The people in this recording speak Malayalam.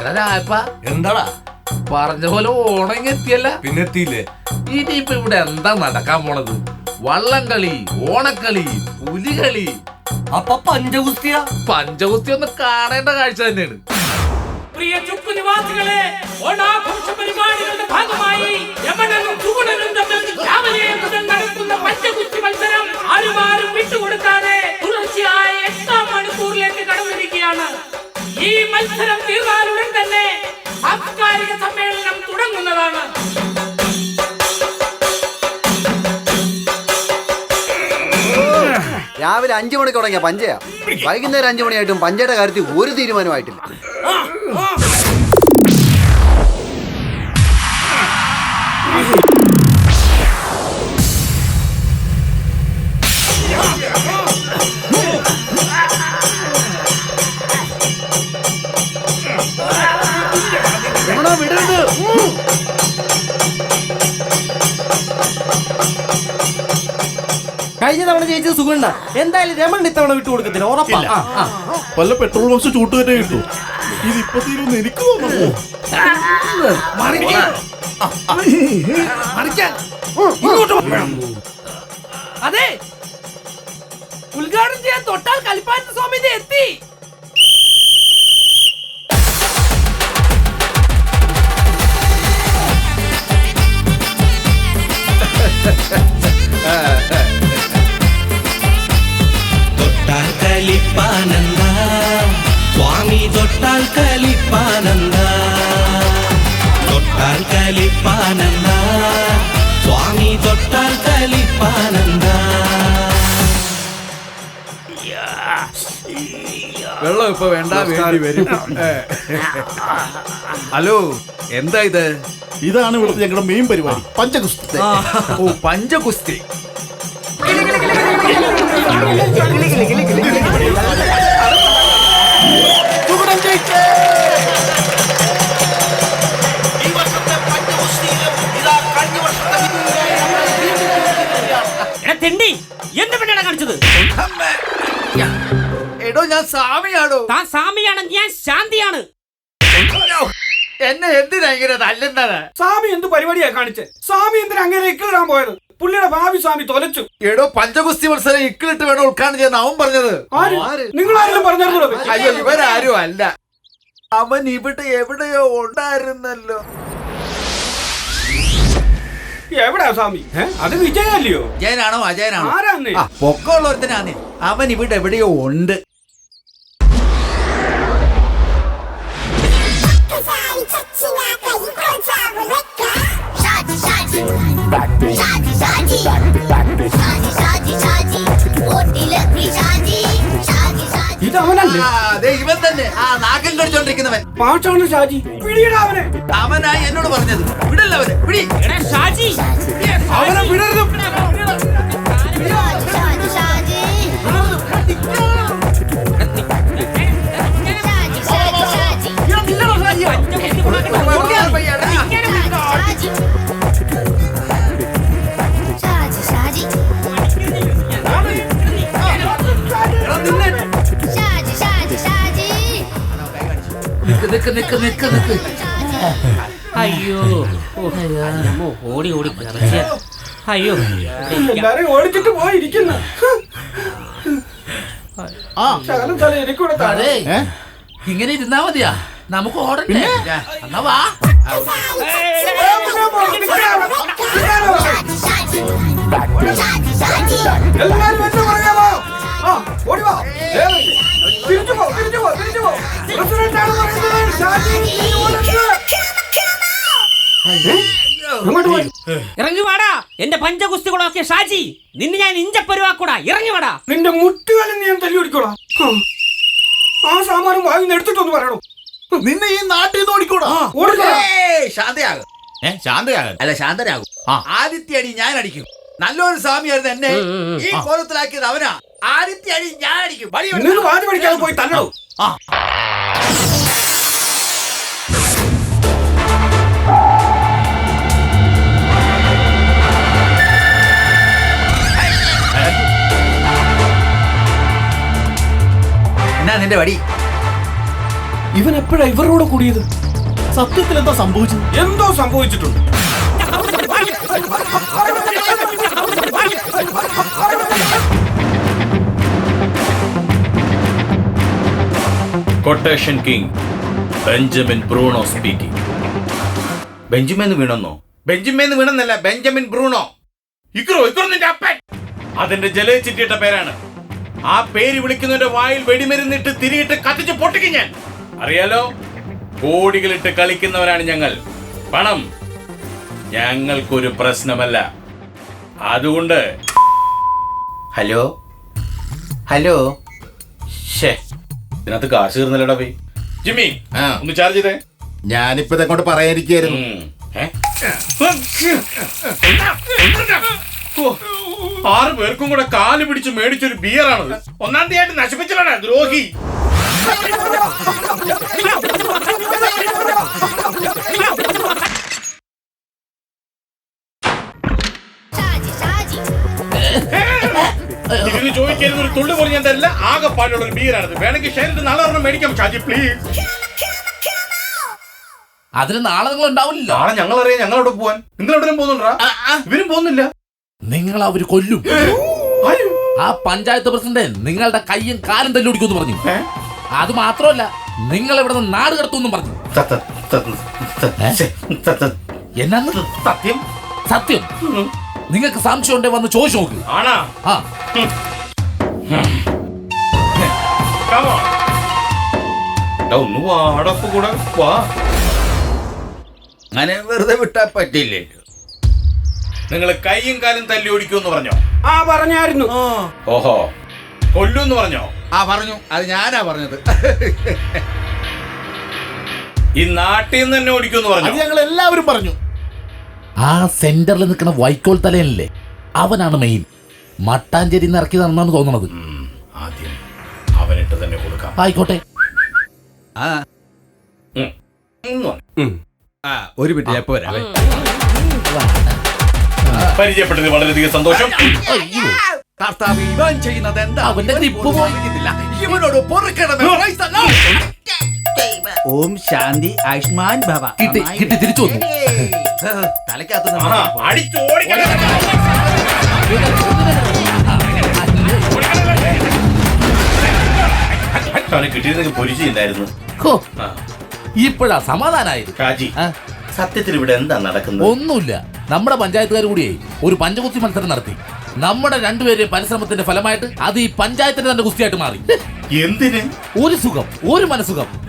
എന്താടാ പറഞ്ഞ പോലെ ഓണം എത്തിയല്ല? പിന്നെ എത്തിയില്ലേ? ഇനിയിപ്പോ ഇവിടെ എന്താ നടക്കാൻ പോണത്? വള്ളംകളി, ഓണക്കളി, പുലികളി, അപ്പൊ പഞ്ചഗുസ്തിയാ? പഞ്ചഗുസ്തി ഒന്ന് കാണേണ്ട കാഴ്ച തന്നെയാണ്. പ്രിയ ചുക്കു നിവാസികളെ, ഓണാഘോഷ പരിപാടികളുടെ ഭാഗമായി യമനനും ചുവണനും തമ്മിൽ രാവിലെ മുതൽ നടക്കുന്ന പഞ്ചഗുസ്തി മത്സരം ആരും വിട്ടുകൊടുക്കാതെ തുടർച്ചയായ 8-ാം മണിക്കൂറിലേക്ക് കടന്നിരിക്കുകയാണ്. ഈ മത്സരം തീർന്നാലുടൻ തന്നെ സാംസ്കാരിക സമ്മേളനം തുടങ്ങുന്നതാണ്. രാവിലെ 5 മണിക്ക് തുടങ്ങിയ പഞ്ചയാ, വൈകുന്നേരം 5 മണിയായിട്ടും പഞ്ചയുടെ കാര്യത്തിൽ ഒരു തീരുമാനമായിട്ടില്ല. വിടരുത്. കഴിഞ്ഞ തവണ ജയിച്ചത് സുഖണ്ട, എന്തായാലും രമൺ ഇത്തവണ വിട്ടു കൊടുക്കത്തില്ല, ഉറപ്പാ. വല്ല പെട്രോൾ ബോക്സ് ചൂട്ടുകയറ്റേ കിട്ടു. ഇതിപ്പോ തീരുന്ന് എനിക്ക് തോന്നുന്നു. അതെ, ഉദ്ഘാടനം ചെയ്യാൻ തൊട്ടാൽ കളിപ്പാട്ട സ്വാമി എത്തി. തൊട്ടാൽ കളിപ്പാനന്ദ സ്വാമി, തൊട്ടാൽ കളിപ്പാനന്ദ, തൊട്ടാൽ കളിപ്പാനന്ദ സ്വാമി, തൊട്ടാൽ കളിപ്പാനന്ദ. വെള്ളം ഇപ്പൊ വേണ്ട, വേണ്ടി വരും. ഹലോ, എന്താ ഇത്? ഇതാണ് ഇവിടുത്തെ ഞങ്ങളുടെ മെയിൻ പരിപാടി, പഞ്ചഗുസ്തി. ഓ, പഞ്ചഗുസ്തി. എന്ത് പെണ്ണാണ് കാണിച്ചത്? എടോ, ഞാൻ സ്വാമിയാണോ? താൻ സ്വാമിയാണ്, ഞാൻ ശാന്തിയാണ്. എന്നെ എന്തിനാ ഇങ്ങനെ തല്ലുന്നത്? സ്വാമി എന്ത് പരിപാടിയാ കാണിച്ചേ? സ്വാമി എന്തിനാ അങ്ങനെ ഇക്കിടാൻ പോയത്? പുള്ളിയുടെ ഭാവി സ്വാമി തൊലച്ചു. എടോ, പഞ്ചഗുസ്തി മത്സരം ഇക്കിലിട്ട് വേണം ഉദ്ഘാടനം ചെയ്യാൻ അവൻ പറഞ്ഞത്. നിങ്ങൾ ആരെങ്കിലും പറഞ്ഞാൽ? അയ്യോ, ഇവരാരും അല്ല. അവൻ ഇവിടെ എവിടെയോ ഉണ്ടായിരുന്നല്ലോ. എവിടെയാ സ്വാമി? അത് വിജയല്ലയോ? ജയനാണോ അജയനാണോ? ആരാന്ന്? പൊക്കമുള്ളവരുത്തനാന്നേ. അവൻ ഇവിടെ എവിടെയോ ഉണ്ട്. ഇതവനല്ലേ? അതെ, ഇവൻ തന്നെ. ആ നാക്കം കടിച്ചോണ്ടിരിക്കുന്നവൻ. പാട്ടാണ് ഷാജി. പിടിയിടാ അവനെ. അവനായി എന്നോട് പറഞ്ഞത്. വിടല്ല അവനെ, പിടി. ഷാജി, അവനെ വിടരുത്. അയ്യോ, ഓടി ഓടി അയ്യോ, എല്ലാരും ഓടിച്ചിട്ട് പോയിരിക്കുന്നു. ഇങ്ങനെ ഇരുന്നാ മതിയാ? നമുക്ക് ഓടണ്ടേ? എന്നാ വാ. എല്ലാരും എന്നെ പറയാമോ? ഓടിവാ, തിരിച്ചു പോ, തിരിച്ചു പോ, തിരിച്ചു പോ. പ്രസിഡന്റാണ് പറയുന്നത്. ഷാജി ഇറങ്ങി വാടാ എന്റെ പഞ്ചഗുസ്തികളൊക്കെ. ഷാജി, നിന്നെ ഞാൻ ഇഞ്ചപ്പരുവാക്കൂടാ. ഇറങ്ങി വാടാ. നിന്റെ മുട്ടുകാലം ഞാൻ തല്ലി ഓടിക്കോളാം. ആ സാമാനം വാങ്ങി എടുത്തിട്ടൊന്ന് പറയണോ? നിന്നെ ഈ നാട്ടിൽ നിന്ന് ഓടിക്കൂടാ. ശാന്തയാകും. ശാന്തയാകും അല്ല, ശാന്തരാകും. ആദിത്യ അടി ഞാൻ അടിക്കും. നല്ലൊരു സ്വാമിയായിരുന്നു എന്നെ ഈ കോലത്തിലാക്കിയത് അവനാ. ആദിത്യ അടി ഞാൻ അടിക്കും. വാതി പഠിക്കാതെ പോയി തല്ലടോ. എന്നാ നിന്റെ വടി? ഇവൻ എപ്പോഴാ ഇവരുടെ കൂടെ കൂടിയത്? സത്യത്തിൽ എന്താ സംഭവിച്ചത്? എന്തോ സംഭവിച്ചിട്ടുണ്ട്. Quotation king Benjamin Bruno speaking. Benjamin വീണെന്നോ? ബെഞ്ചമിൻ വീണെന്നല്ല, ബെഞ്ചമിൻ ബ്രൂണോ. ഇക്രോ നിന്റെ അപ്പൻ. അതിന്റെ ജലച്ചിട്ടിട്ട പേരാണ്. ആ പേര് വിളിക്കുന്നതിന്റെ വായിൽ വെടിമരുന്നിട്ട് തിരിയിട്ട് കത്തിച്ച് പൊട്ടിക്കും ഞാൻ. അറിയാലോ, കോടികളിട്ട് കളിക്കുന്നവരാണ് ഞങ്ങൾ. പണം ഞങ്ങൾക്കൊരു പ്രശ്നമല്ല. അതുകൊണ്ട് ഹലോ ഇതിനകത്ത് കാശ് തീർന്നല്ലടാ പോയി. ജിമ്മി ഒന്ന് ചാർജ് ചെയ്തേ. ഞാനിപ്പോ ഇതങ്ങോട്ട് പറയാനിരിക്കായിരുന്നു. ആറ് പേർക്കും കൂടെ കാല് പിടിച്ച് മേടിച്ചൊരു ബിയറാണത്. ഒന്നാം തീയതി നശിപ്പിച്ചലാണ് ദ്രോഹി. ഇതിന് ചോദിക്കരുത്, ഒരു തുള്ളി പോലും ഞാൻ തരില്ല. ആകെ പാടുള്ള ഒരു ബിയറാണത്. വേണമെങ്കിൽ ഷെയറിട്ട് നാളെ ഒരെണ്ണം മേടിക്കാം ഷാജി, പ്ലീസ്. അതിന് നാളെ നിങ്ങൾ ഉണ്ടാവില്ല. നാളെ ഞങ്ങളറിയാം ഞങ്ങളവിടെ പോവാൻ. നിങ്ങൾ എവിടെയും പോകുന്നുണ്ടാ? ഇവരും പോകുന്നില്ല. നിങ്ങൾ അവര് കൊല്ലും. ആ പഞ്ചായത്ത് പ്രസിഡന്റ് നിങ്ങളുടെ കയ്യും കാലും തല്ലുപിടിക്കുമെന്ന് പറഞ്ഞു. അത് മാത്രമല്ല, നിങ്ങൾ ഇവിടെ നിന്ന് നാട് കടത്തുമെന്നും പറഞ്ഞു. എന്നാന്ന്? സത്യം സത്യം. നിങ്ങൾക്ക് സംശയം ഉണ്ടെ വന്ന് ചോദിച്ചു നോക്ക്. ആണാ? ആ ഒന്ന് വാടപ്പ് കൂടെ വാ. അങ്ങനെ വെറുതെ വിട്ടാ പറ്റില്ലല്ലോ. നിങ്ങൾ കൈയും കാലും തല്ലി ഓടിക്കുമെന്ന് പറഞ്ഞോ? ആ പറഞ്ഞായിരുന്നു. ഓഹോ, കൊല്ലൂന്ന് പറഞ്ഞോ? പറഞ്ഞു. അത് ഞാനാ പറഞ്ഞത്. ഈ നാട്ടിൽ നിന്ന് തന്നെ ഓടിക്കുമെന്ന് പറഞ്ഞു? ഞങ്ങൾ എല്ലാവരും പറഞ്ഞു. ആ സെന്ററിൽ നിൽക്കുന്ന വൈക്കോൽ തലയനല്ലേ, അവനാണ് മെയിൻ. മട്ടാഞ്ചേരി നിന്ന് ഇറക്കിയതാണെന്നാണ് തോന്നുന്നത്. ആദ്യം അവനിട്ട് തന്നെ കൊടുക്കാം. ആയിക്കോട്ടെ. ഒരു മിനിറ്റ്, ഞാൻ വരാം. പരിചയപ്പെട്ടത് വളരെയധികം സന്തോഷം. കർത്താവ്, ഇവൻ ചെയ്യുന്നത് എന്താ? അവന്റെ ഗ്രിപ്പ് പോയിരിക്കുന്നില്ല. ഇവനോട് പൊറുക്കണമേ. ഓം ശാന്തി ആയുഷ്മാൻ ഭവ. കിട്ടി തിരിച്ചു വന്നു. തലക്കകത്ത് അടിച്ചോടിക്കണം. കിട്ടിയിരുന്നെങ്കിൽ പൊരിച്ചില്ലായിരുന്നു. ഇപ്പോഴാ സമാധാനായത്. ഷാജി, സത്യത്തിൽ ഇവിടെ എന്താ നടക്കുന്നത്? ഒന്നുമില്ല. നമ്മുടെ പഞ്ചായത്തുകാർ കൂടിയേ ഒരു പഞ്ചകുസ്തി മത്സരം നടത്തി. നമ്മുടെ രണ്ടുപേരുടെയും പരിശ്രമത്തിന്റെ ഫലമായിട്ട് അത് ഈ പഞ്ചായത്തിന്റെ തന്നെ കുസ്തിയായിട്ട് മാറി. എന്തിന്? ഒരു സുഖം, ഒരു മനസുഖം.